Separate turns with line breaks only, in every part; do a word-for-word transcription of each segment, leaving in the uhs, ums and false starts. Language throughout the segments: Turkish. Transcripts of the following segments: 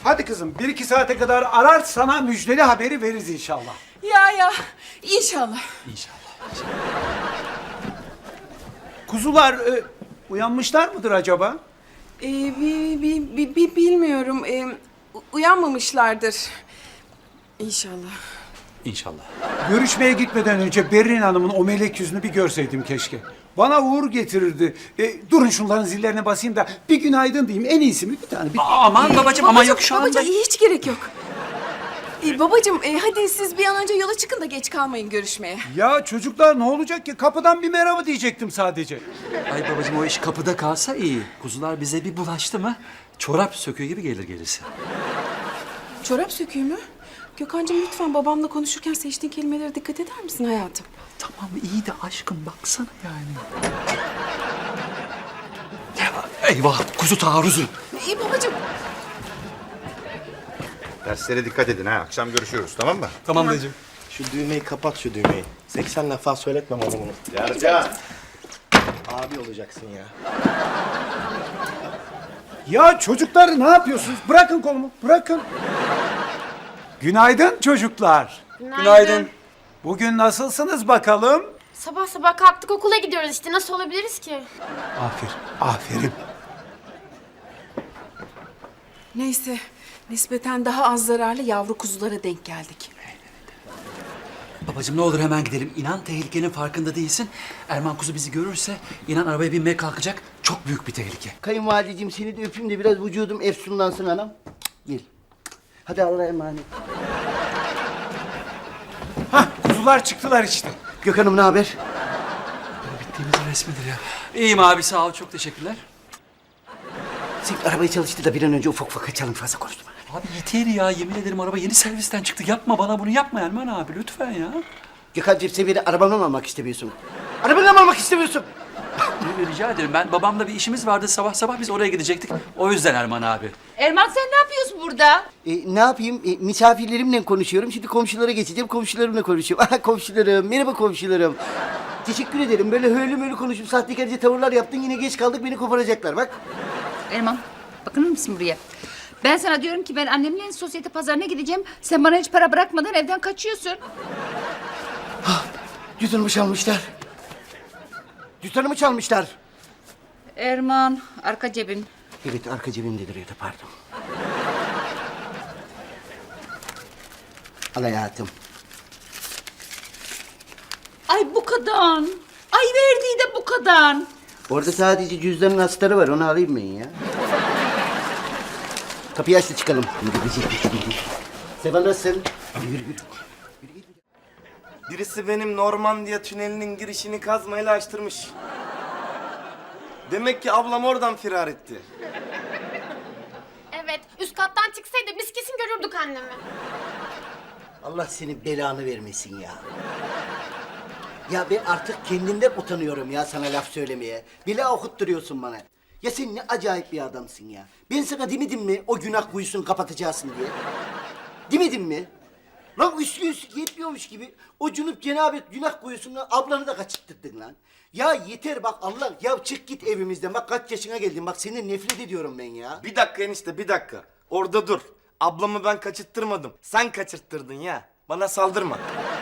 Hadi kızım bir iki saate kadar arar sana müjdeli haberi veririz inşallah.
Ya ya inşallah.
İnşallah. Kuzular e, uyanmışlar mıdır acaba?
Ee, bi, bi, bi, bi- bilmiyorum. Ee, u- uyanmamışlardır. İnşallah.
İnşallah.
Görüşmeye gitmeden önce Berrin Hanım'ın o melek yüzünü bir görseydim keşke. Bana uğur getirirdi. E, durun şunların zillerine basayım da bir günaydın diyeyim. En iyisi mi? Bir tane. Bir...
Aman babacığım ama yok şu anda.
Babacığım hiç gerek yok. Ee, babacığım e, hadi siz bir an önce yola çıkın da geç kalmayın görüşmeye.
Ya çocuklar ne olacak ki? Kapıdan bir merhaba diyecektim sadece.
Ay babacığım o iş kapıda kalsa iyi. Kuzular bize bir bulaştı mı çorap söküğü gibi gelir gelirse.
Çorap söküğü mü? Gökhan'cığım lütfen babamla konuşurken seçtiğin kelimelere dikkat eder misin hayatım?
Tamam iyi de aşkım baksana yani. Eyvah kuzu taarruzu.
İyi babacığım.
Derslere dikkat edin ha. Akşam görüşüyoruz tamam mı?
Tamam dayıcığım.
Şu düğmeyi kapat şu düğmeyi. seksen defa söyletmem bana bunu.
Yarca.
Abi olacaksın ya.
Ya çocuklar ne yapıyorsunuz? Bırakın kolumu, bırakın. Günaydın çocuklar.
Günaydın.
Bugün nasılsınız bakalım?
Sabah sabah kalktık okula gidiyoruz işte nasıl olabiliriz ki?
Aferin, aferin.
Neyse nispeten daha az zararlı yavru kuzulara denk geldik.
Babacığım ne olur hemen gidelim. İnan tehlikenin farkında değilsin. Erman kuzu bizi görürse inan arabaya binmeye kalkacak. Çok büyük bir tehlike.
Kayınvalideciğim seni de öpeyim de biraz vücudum efsunlansın anam. Gel. Hadi Allah'a emanet.
Hah, kuzular çıktılar işte.
Gökhan'ım ne haber?
Bittiğimizin resmidir ya. İyiyim abi sağ ol çok teşekkürler.
Sen arabayı çalıştır da bir an önce ufak ufak kaçalım fazla konuşma.
Abi yeter ya yemin ederim araba yeni servisten çıktı. Yapma bana bunu yapma Erman abi lütfen ya.
Gökhan'cığım sen beni arabamla mı almak istemiyorsun? Arabamla mı almak istemiyorsun?
Rica ederim ben babamla bir işimiz vardı sabah sabah biz oraya gidecektik. O yüzden Erman abi.
Erman sen ne yapıyorsun burada?
E, ne yapayım? E, misafirlerimle konuşuyorum. Şimdi komşulara geçeceğim. Komşularımla konuşuyorum. Aha komşularım. Merhaba komşularım. Teşekkür ederim. Böyle höylü möylü konuşup sahtekarca tavırlar yaptın. Yine geç kaldık. Beni koparacaklar bak.
Erman bakar mısın buraya? Ben sana diyorum ki ben annemle sosyete pazarına gideceğim. Sen bana hiç para bırakmadan evden kaçıyorsun.
Cüzdanımı çalmışlar. Cüzdanımı çalmışlar.
Erman arka cebin.
Evet arka cebimde duruyordu pardon. Al hayatım.
Ay bu kadar. Ay verdiği de bu kadar.
Orada sadece cüzdanın astarı var. Onu alayım ben ya. Kapıyı aç da çıkalım. Yürü yürü. Seval nasılsın? Yürü yürü.
Birisi benim Normandiya tünelinin girişini kazmayla açtırmış. Demek ki ablam oradan firar etti.
Evet üst kattan çıksaydı biz kesin görürdük annemi.
Allah senin belanı vermesin ya. Ya ben artık kendimden utanıyorum ya sana laf söylemeye. Bile okutturuyorsun bana. Ya sen ne acayip bir adamsın ya. Ben sana demedim mi o günah kuyusunu kapatacaksın diye? Demedim mi? Lan üstü üstü yetmiyormuş gibi o cunup cenabet günah kuyusunu ablanı da kaçırttırdın lan. Ya yeter bak Allah ya çık git evimizden bak kaç yaşına geldin bak seni nefret ediyorum ben ya.
Bir dakika enişte bir dakika. Orada dur. Ablamı ben kaçırttırmadım. Sen kaçırttırdın ya. Bana saldırma.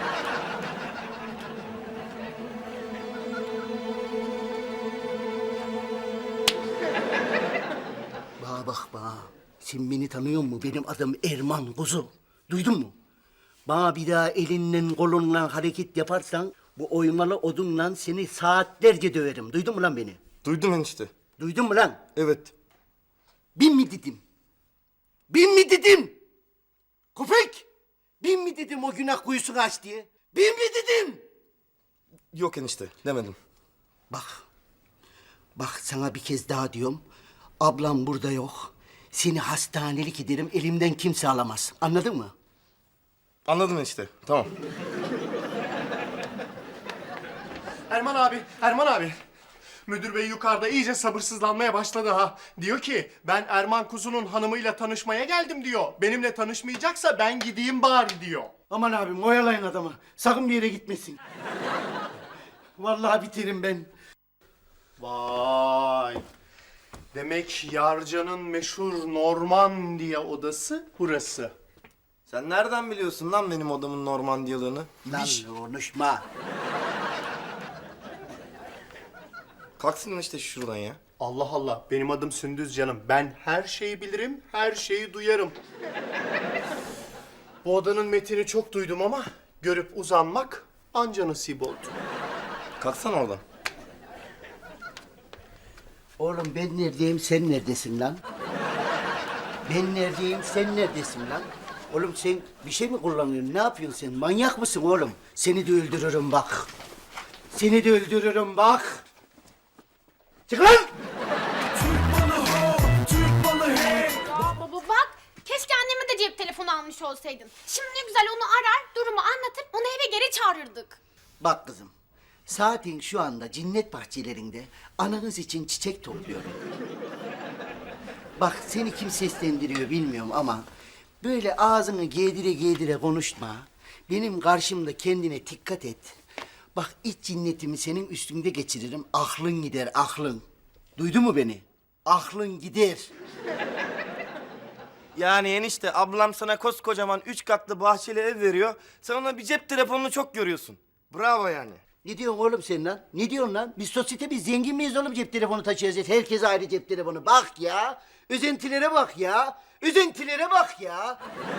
Bana bak bana. Sen beni tanıyor musun? Benim adım Erman Kuzu. Duydun mu? Bana bir daha elinden kolundan hareket yaparsan bu oymalı odunla seni saatlerce döverim. Duydun mu lan beni?
Duydum enişte.
Duydun mu lan?
Evet.
Bin mi dedim? Bin mi dedim? Köpek! Bin mi dedim o günah kuyusunu aç diye? Bin mi dedim?
Yok enişte demedim.
Bak. Bak sana bir kez daha diyorum. Ablam burada yok. Seni hastanelik ederim elimden kimse alamaz. Anladın mı?
Anladım enişte. Tamam.
Erman abi, Erman abi. Müdür bey yukarıda iyice sabırsızlanmaya başladı ha. Diyor ki ben Erman Kuzu'nun hanımıyla tanışmaya geldim diyor. Benimle tanışmayacaksa ben gideyim bari diyor.
Aman abim oyalayın adamı. Sakın bir yere gitmesin. Vallahi biterim ben.
Vay.
Demek Yarcan'ın meşhur Normandiya odası burası.
Sen nereden biliyorsun lan benim odamın Normandiyalığını?
Lan konuşma.
Kalksın işte şuradan ya.
Allah Allah, benim adım Sündüz canım. Ben her şeyi bilirim, her şeyi duyarım. Bu odanın metini çok duydum ama görüp uzanmak anca nasip oldu.
Kalksana oradan.
Oğlum ben neredeyim, sen neredesin lan? Ben neredeyim, sen neredesin lan? Oğlum sen bir şey mi kullanıyorsun? Ne yapıyorsun sen? Manyak mısın oğlum? Seni de öldürürüm bak. Seni de öldürürüm bak. Çık lan!
Baba bak, keşke anneme de cep telefonu almış olsaydın. Şimdi ne güzel onu arar, durumu anlatıp onu eve geri çağırırdık.
Bak kızım, saatin şu anda cennet bahçelerinde ananız için çiçek topluyorum. Bak seni kim seslendiriyor bilmiyorum ama böyle ağzını giydire giydire konuşma. Benim karşımda kendine dikkat et. Bak iç cinnetimi senin üstünde geçiririm. Aklın gider, aklın. Duydun mu beni? Aklın gider.
Yani enişte ablam sana koskocaman üç katlı bahçeli ev veriyor. Sen ona bir cep telefonunu çok görüyorsun. Bravo yani.
Ne diyorsun oğlum sen lan? Ne diyorsun lan? Biz sosyete, biz zengin miyiz oğlum cep telefonu taşıyacağız? Herkes ayrı cep telefonu. Bak ya. Özentilere bak ya. Özentilere bak ya.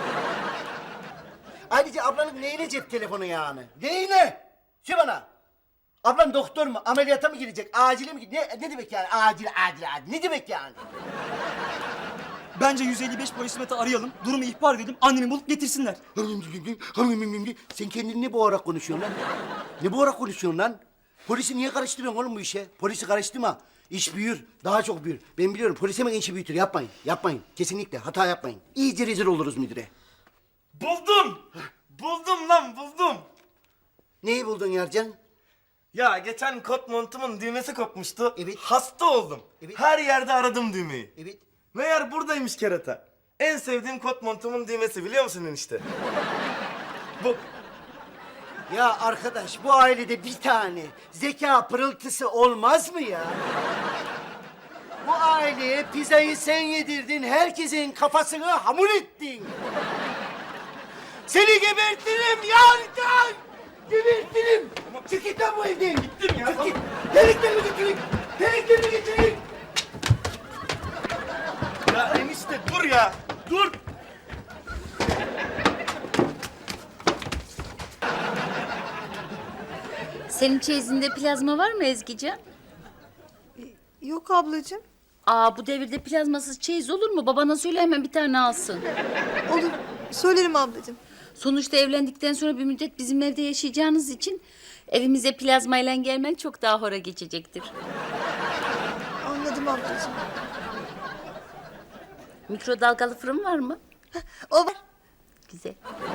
Ayrıca ablanın neyine cep telefonu yani? Neyine? Şu bana. Ablan doktor mu? Ameliyata mı girecek? Acile mi girecek? Ne, ne demek yani? Acil, acil, acil. Ne demek yani?
Bence yüz elli beş polisimet'i arayalım, durumu ihbar edelim, annemi bulup getirsinler.
Sen kendini ne boğarak konuşuyorsun lan? Ne boğarak konuşuyorsun lan? Polisi niye karıştırıyorsun oğlum bu işe? Polisi karıştırma. İş büyür, daha çok büyür. Ben biliyorum, polis hemen işi büyütür. Yapmayın, yapmayın. Kesinlikle hata yapmayın. İyice rezil oluruz müdüre.
Buldum! Buldum lan buldum!
Neyi buldun Yarcan?
Ya geçen kot montumun düğmesi kopmuştu.
Evet.
Hasta oldum.
Evet.
Her yerde aradım düğmeyi.
Evet.
Meğer buradaymış kerata. En sevdiğim kot montumun düğmesi biliyor musun enişte? Bu.
Ya arkadaş, bu ailede bir tane zeka pırıltısı olmaz mı ya? Bu aileye pizzayı sen yedirdin, herkesin kafasını hamur ettin. Seni gebertirim Yarcan! Gebertirim! Çık git lan bu evden! Gittim ya! Çık git! Deliklerimi getirin! Deliklerimi getirin!
Ya enişte dur ya. Dur.
Senin çeyizinde plazma var mı Ezgican?
Yok ablacığım.
Aa, bu devirde plazmasız çeyiz olur mu? Babana söyle hemen bir tane alsın.
Olur. Söylerim ablacığım.
Sonuçta evlendikten sonra bir müddet bizim evde yaşayacağınız için evimize plazmayla gelmen çok daha hora geçecektir.
Anladım ablacığım.
Mikrodalgalı fırın var mı?
O var.
Güzel.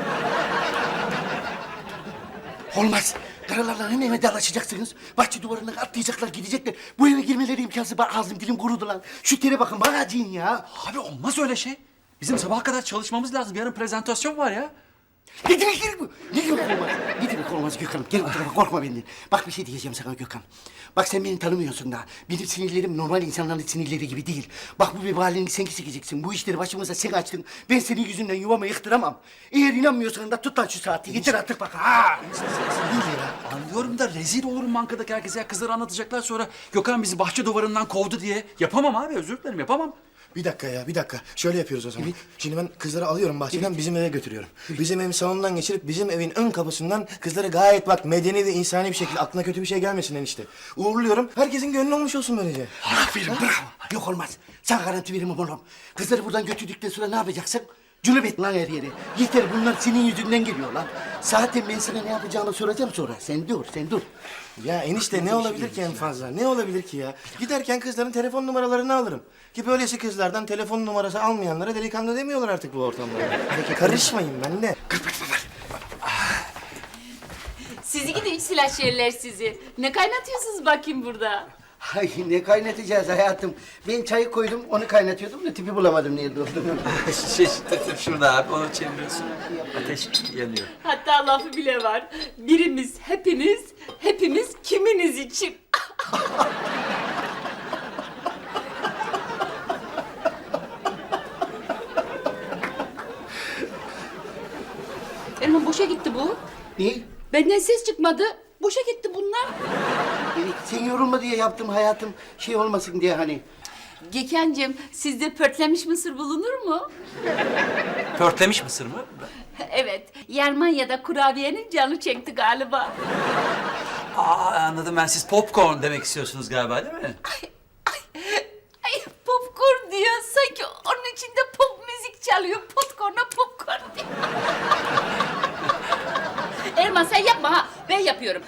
Olmaz. Karalarla hemen vedalaşacaksınız. Bahçe duvarından atlayacaklar, gidecekler. Bu eve girmeleri imkansız. Bak ağzım dilim kurudu lan. Şu tere bakın, bana acıyın ya.
Abi olmaz öyle şey. Bizim sabaha kadar çalışmamız lazım. Yarın prezentasyon var ya.
Ne demek ki bu? Ne demek olmaz? Ne demek olmaz Gökhan'ım? Gel bu tarafa, korkma benden. Bak bir şey diyeceğim sana Gökhan. Bak sen beni tanımıyorsun daha. Benim sinirlerim normal insanların sinirleri gibi değil. Bak bu vebalini sen keseceksin. Bu işleri başımıza sen açtın. Ben senin yüzünden yuvamı yıktıramam. Eğer inanmıyorsan da tut lan şu saati. Getir artık bak. Ha!
Değil ya. Anlıyorum da rezil olurum bankadaki herkese. Ya kızları anlatacaklar sonra Gökhan bizi bahçe duvarından kovdu diye. Yapamam abi, özür dilerim, yapamam.
Bir dakika ya, bir dakika. Şöyle yapıyoruz o zaman. Şimdi ben kızları alıyorum bahçeden, bizim eve götürüyorum. Bizim evin salonundan geçirip bizim evin ön kapısından kızları gayet bak medeni ve insani bir şekilde, aklına kötü bir şey gelmesin enişte. Uğurluyorum. Herkesin gönlü olmuş olsun böylece.
Aferin, bravo. Yok olmaz. Sana garanti veririm oğlum. Kızları buradan götürdükten sonra ne yapacaksın? Cünüp et lan her yere. Yeter, bunlar senin yüzünden geliyor lan. Zaten ben sana ne yapacağını soracağım sonra. Sen dur, sen dur.
Ya enişte ne olabilir ki en fazla? Ne olabilir ki ya? Giderken kızların telefon numaralarını alırım. Ki böylesi kızlardan telefon numarası almayanlara delikanlı demiyorlar artık bu ortamda. Karışmayın benimle.
Sizi gidin silah yerler sizi. Ne kaynatıyorsunuz bakayım burada?
Ay ne kaynatacağız hayatım? Ben çayı koydum, onu kaynatıyordum da tipi bulamadım nerede olduğunu.
şey, şurada abi, onu çeviriyorsun. Ateş yanıyor.
Hatta lafı bile var. Birimiz hepiniz, hepimiz kiminiz için. Erman boşa gitti bu.
Ne?
Benden ses çıkmadı. Boşa gitti bunlar.
Evet, sen yorulma diye yaptım hayatım. Şey olmasın diye hani.
Gökhan'cığım sizde pörtlemiş mısır bulunur mu?
Pörtlemiş mısır mı?
Evet. Yermanya'da kurabiyenin canı çekti galiba.
Aa, anladım ben. Siz popcorn demek istiyorsunuz galiba değil mi?
Ay, ay, ay popcorn diyor. Sanki onun içinde pop müzik çalıyor. Popcorn'a popcorn diyor. Erman sen yapma ha. Ben yapıyorum.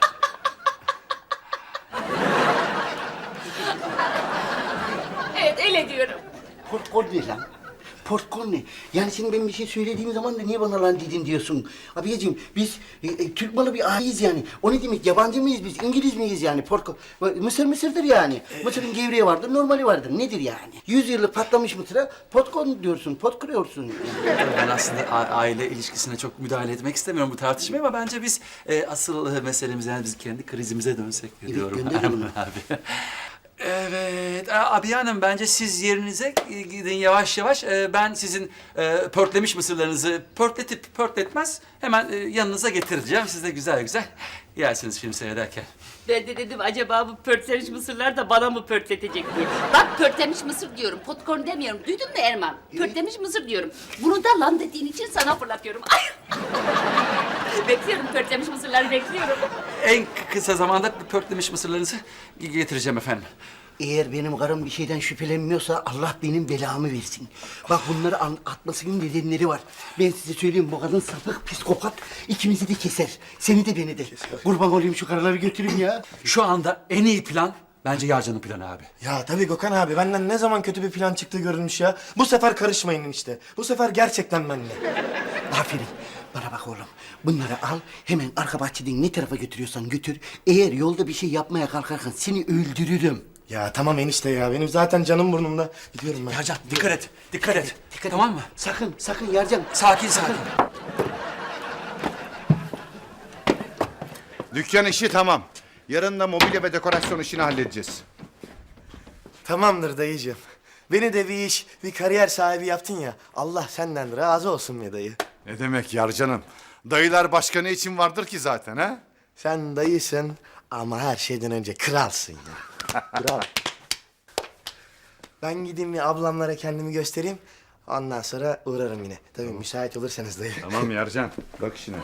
Evet öyle diyorum.
Popcorn ne lan? Popcorn ne? Yani şimdi ben bir şey söylediğim zaman da niye bana lan dedin diyorsun? Abiyeciğim biz e, e, Türk malı bir aileyiz yani. O ne demek? Yabancı mıyız biz? İngiliz miyiz yani? Popcorn. Mısır mısırdır yani. Mısırın gevreği vardır, normali vardır. Nedir yani? Yüz yıllık patlamış mısıra popcorn diyorsun, pot kırıyorsun. Yani.
Ben aslında a- aile ilişkisine çok müdahale etmek istemiyorum bu tartışmaya ama bence biz e, asıl e, meselemiz yani biz kendi krizimize dönsek
Evet,
diyorum
gönderelim.
Erman abi. Evet, a- abi hanım bence siz yerinize gidin yavaş yavaş. Ee, Ben sizin e, pörtlemiş mısırlarınızı pörtletip pörtletmez hemen e, yanınıza getireceğim. Siz de güzel güzel yersiniz film seyrederken.
Ben de dedim acaba bu pörtlemiş mısırlar da bana mı pörtletecek diye. Bak pörtlemiş mısır diyorum, popcorn demiyorum. Duydun mu Erman? Pörtlemiş mısır diyorum. Bunu da lan dediğin için sana fırlatıyorum. Ay! Bekliyorum pörtlemiş mısırları bekliyorum.
En kısa zamanda pörtlemiş mısırlarınızı getireceğim efendim.
Eğer benim karım bir şeyden şüphelenmiyorsa Allah benim belamı versin. Bak bunları an- atmasının nedenleri var. Ben size söyleyeyim bu kadın sapık, psikopat. İkimizi de keser. Seni de beni de. Kurban olayım şu karıları götürün ya.
Şu anda en iyi plan bence Yarcan'ın planı abi.
Ya tabii Gökhan abi benden ne zaman kötü bir plan çıktığı görülmüş ya. Bu sefer karışmayın işte. Bu sefer gerçekten benimle.
Aferin. Bana bak oğlum. Bunları al hemen arka bahçeden ne tarafa götürüyorsan götür. Eğer yolda bir şey yapmaya kalkarsan seni öldürürüm.
Ya tamam enişte ya benim zaten canım burnumda. Gidiyorum ben.
Yarcan dikkat et, dikkat et.
Dikkat
Tamam
et.
mı?
Sakın, sakın Yarcan.
Sakin sakin.
Dükkan işi tamam. Yarın da mobilya ve dekorasyon işini halledeceğiz.
Tamamdır dayıcığım. Beni de bir iş, bir kariyer sahibi yaptın ya. Allah senden razı olsun be dayı.
Ne demek Yarcan'ım? Dayılar başka ne için vardır ki zaten ha?
Sen dayısın ama her şeyden önce kralsın ya. Kral. Ben gideyim bir ablamlara kendimi göstereyim. Ondan sonra uğrarım yine. Tabii müsait olursanız dayı.
Tamam Yarcan. Bak işine.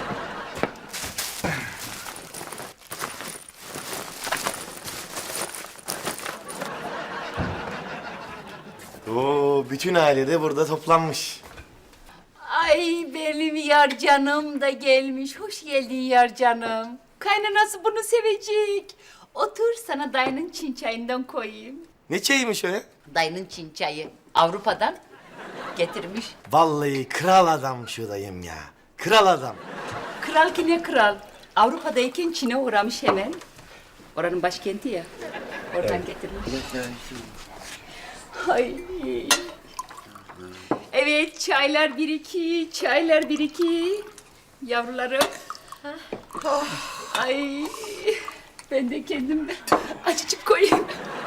Oo, bütün aile de burada toplanmış.
Ay benim yar canım da gelmiş. Hoş geldin yar canım. Kaynanası bunu sevecek. Otur sana dayının çin çayından koyayım.
Ne çayıymış o ya?
Dayının çin çayı Avrupa'dan getirmiş.
Vallahi kral adam şu dayım ya. Kral adam.
Kral ki ne kral? Avrupa'dayken Çin'e uğramış hemen. Oranın başkenti ya. Oradan getirmiş. Ay. Evet çaylar bir iki, çaylar bir iki. Yavrularım. Ay. Ben de kendim açıcık koyayım.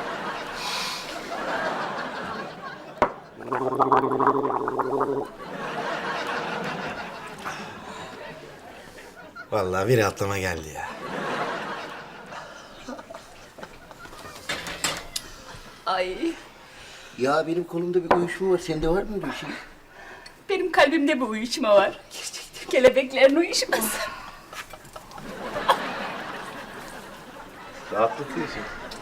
Vallahi bir rahatlama geldi ya.
Ay.
Ya benim kolumda bir uyuşma var. Sende var mı öyle bir şey?
Benim kalbimde bir uyuşma var. Kelebeklerin uyuşması.
Rahatlatıyorsun.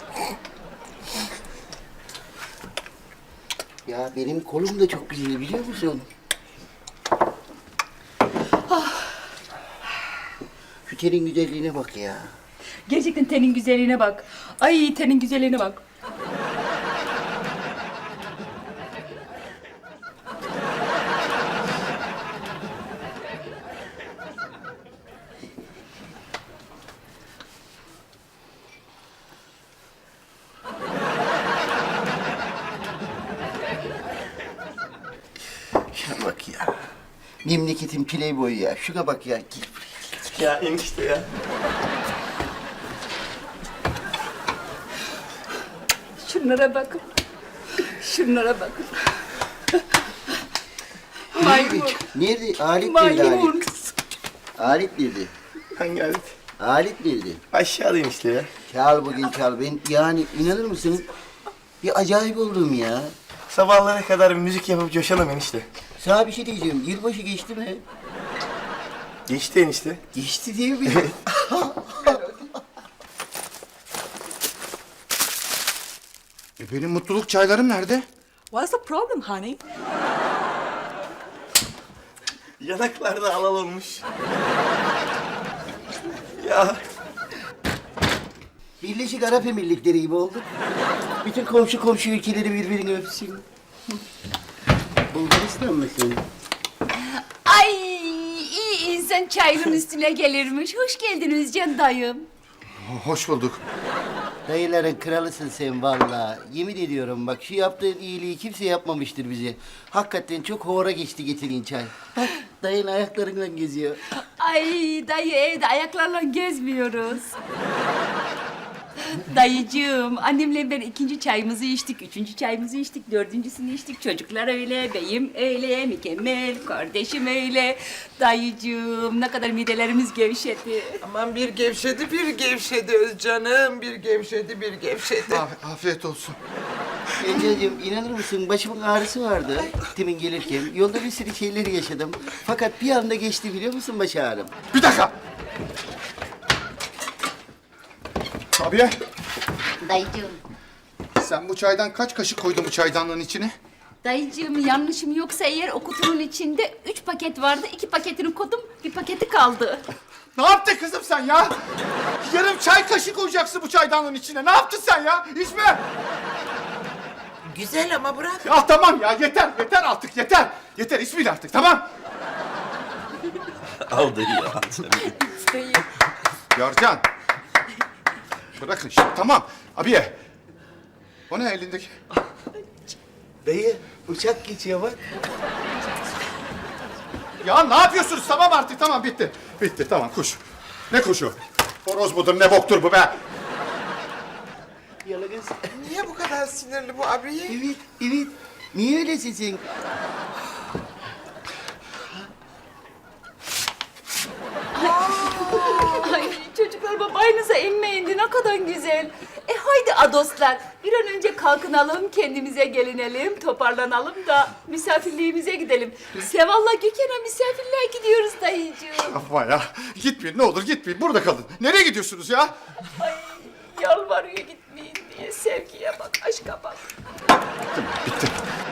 Ya benim kolum da çok güzel biliyor musun? Şu tenin güzelliğine bak ya.
Gerçekten tenin güzelliğine bak. Ay tenin güzelliğine bak.
Şuna bak ya. Memleketin playboyu ya. Şuna bak ya. Gel buraya.
Ya enişte ya.
Şunlara bakın. Şunlara bakın. Maymun.
Nerede? Alet nerede
Maymun.
alet? Alet nerede?
Hangi alet?
Alet nerede?
Aşağıdayım işte ya.
Çal bugün çal. Ben yani inanır mısın? Bir acayip oldum ya.
Sabahlara kadar müzik yapıp coşalım enişte.
Sana bir şey diyeceğim. Yılbaşı geçti mi?
Geçti enişte.
Geçti değil mi?
E benim mutluluk çaylarım nerede?
What's the problem honey?
Yanaklarda alal olmuş. Ya
Birleşik Arap Emirlikleri gibi olduk. Bütün komşu komşu ülkeleri birbirini öpsün. Bulgaristan mısın?
Ay iyi insan çayının üstüne gelirmiş. Hoş geldiniz Can dayım.
Hoş bulduk.
Dayıların kralısın sen vallahi. Yemin ediyorum bak şu yaptığın iyiliği kimse yapmamıştır bize. Hakikaten çok hora geçti getirin çay. Bak dayın ayaklarından geziyor.
Ay dayı evde ayaklarla gezmiyoruz. Dayıcığım, annemle ben ikinci çayımızı içtik, üçüncü çayımızı içtik, dördüncüsünü içtik. Çocuklar öyle, beyim öyle, mükemmel, kardeşim öyle. Dayıcığım, ne kadar midelerimiz gevşedi.
Aman bir gevşedi bir gevşedi Özcanım. Bir gevşedi bir gevşedi.
Af- afiyet olsun.
Enceciğim inanır mısın başımın ağrısı vardı demin gelirken. Yolda bir sürü şeyler yaşadım. Fakat bir anda geçti biliyor musun baş ağrım?
Bir dakika. Abiye,
Dayıcığım,
sen bu çaydan kaç kaşık koydun bu çaydanlığın içine?
dayıcığım yanlışım yoksa eğer o kutunun içinde üç paket vardı, iki paketini koydum, bir paketi kaldı.
Ne yaptın kızım sen ya? Yarım çay kaşığı koyacaksın bu çaydanlığın içine. Ne yaptın sen ya? İçme.
Güzel ama bırak.
Ya tamam ya yeter yeter artık yeter. Yeter içmeyin artık tamam.
Aldı ya.
Yarcan. Bırakın şimdi tamam. Abiye. O ne elindeki?
Dayı uçak geçiyor bak.
Ya ne yapıyorsunuz? Tamam artık tamam bitti. Bitti tamam kuş. Ne kuşu? Horoz mudur ne boktur bu be?
Yalagız.
Niye bu kadar sinirli bu abiye?
Evet, evet. Niye öylesin sen?
Ay çocuklar babanıza emme indi ne kadar güzel. E haydi adoslar bir an önce kalkınalım kendimize gelinelim toparlanalım da misafirliğimize gidelim. Seval'la Gökhan'a misafirliğe gidiyoruz dayıcığım.
Yapma ya. Gitmeyin ne olur gitmeyin. Burada kalın. Nereye gidiyorsunuz ya?
Ay yalvarıyor gitmeyin diye sevgiye bak aşka bak.
Bitti.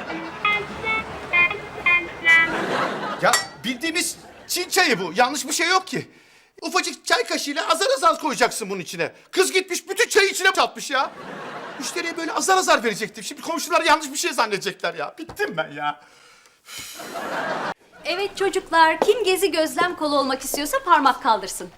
Ya bildiğimiz Çin çayı bu. Yanlış bir şey yok ki. Ufacık çay kaşığıyla azar azar koyacaksın bunun içine. Kız gitmiş bütün çayı içine çatmış ya. Müşteriye böyle azar azar verecektim. Şimdi komşular yanlış bir şey zannedecekler ya. Bittim ben ya.
Evet çocuklar, kim gezi gözlem kolu olmak istiyorsa parmak kaldırsın.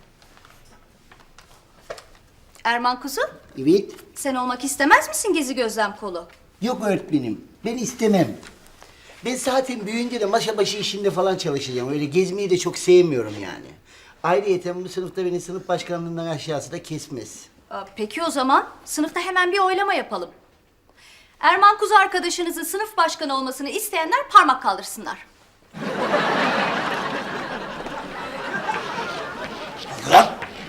Erman kuzu,
Evet.
sen olmak istemez misin gezi gözlem kolu?
Yok öğretmenim. Ben istemem. Ben zaten büyüyünce de masa başı işinde falan çalışacağım. Öyle gezmeyi de çok sevmiyorum yani. Ayrıyeten bu sınıfta beni sınıf başkanlığından aşağısı da kesmez.
Aa, peki o zaman sınıfta hemen bir oylama yapalım. Erman kuzu arkadaşınızın sınıf başkanı olmasını isteyenler parmak kaldırsınlar.
Lan!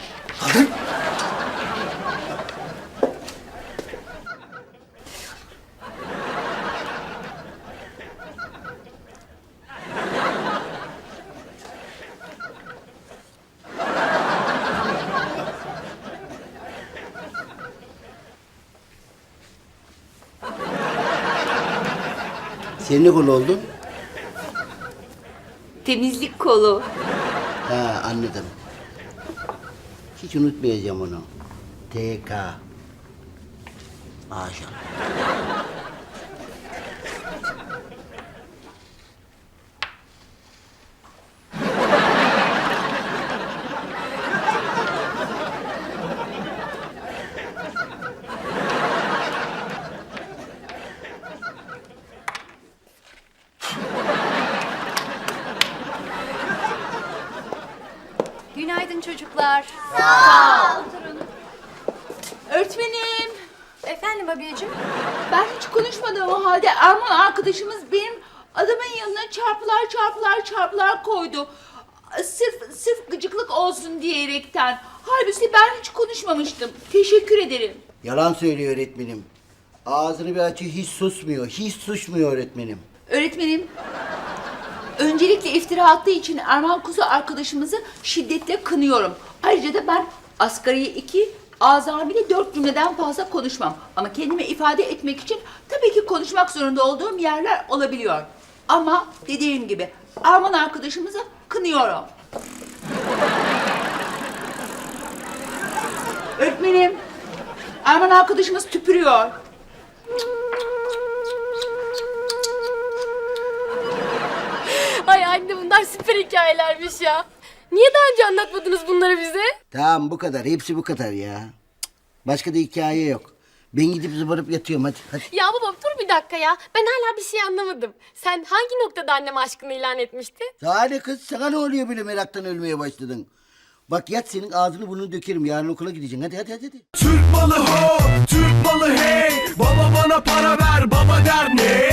Sen ne kolu oldun?
Temizlik kolu.
Ha anladım. Hiç unutmayacağım onu. T K. Maşallah.
Günaydın çocuklar.
Öğretmenim
Efendim abiyeciğim?
ben hiç konuşmadığım o halde Erman arkadaşımız benim adamın yanına çarpılar çarpılar çarpılar koydu. Sırf sırf gıcıklık olsun diyerekten. Halbuki ben hiç konuşmamıştım. Teşekkür ederim.
Yalan söylüyor öğretmenim. Ağzını bir açıyor, hiç susmuyor. Hiç susmuyor öğretmenim.
Öğretmenim, öncelikle iftira attığı için Erman Kuzu arkadaşımızı şiddetle kınıyorum. Ayrıca da ben asgari iki, azami dört cümleden fazla konuşmam. Ama kendimi ifade etmek için tabii ki konuşmak zorunda olduğum yerler olabiliyor. Ama dediğim gibi Erman arkadaşımızı kınıyorum. Öğretmenim, Erman arkadaşımız tüpürüyor.
Ay anne bunlar süper hikayelermiş ya. Niye daha önce anlatmadınız bunları bize?
Tamam bu kadar. Hepsi bu kadar ya. Cık, başka da hikaye yok. Ben gidip zıbarıp yatıyorum hadi. hadi.
Ya baba dur bir dakika ya. Ben hala bir şey anlamadım. Sen hangi noktada anneme aşkını ilan etmiştin?
Daha ne kız? Sana ne oluyor böyle meraktan ölmeye başladın? Bak yat senin ağzını burnunu dökerim. Yarın okula gideceksin. Hadi hadi hadi. hadi.
Türk malı ho, Türk malı hey. Baba bana para ver, baba der ne?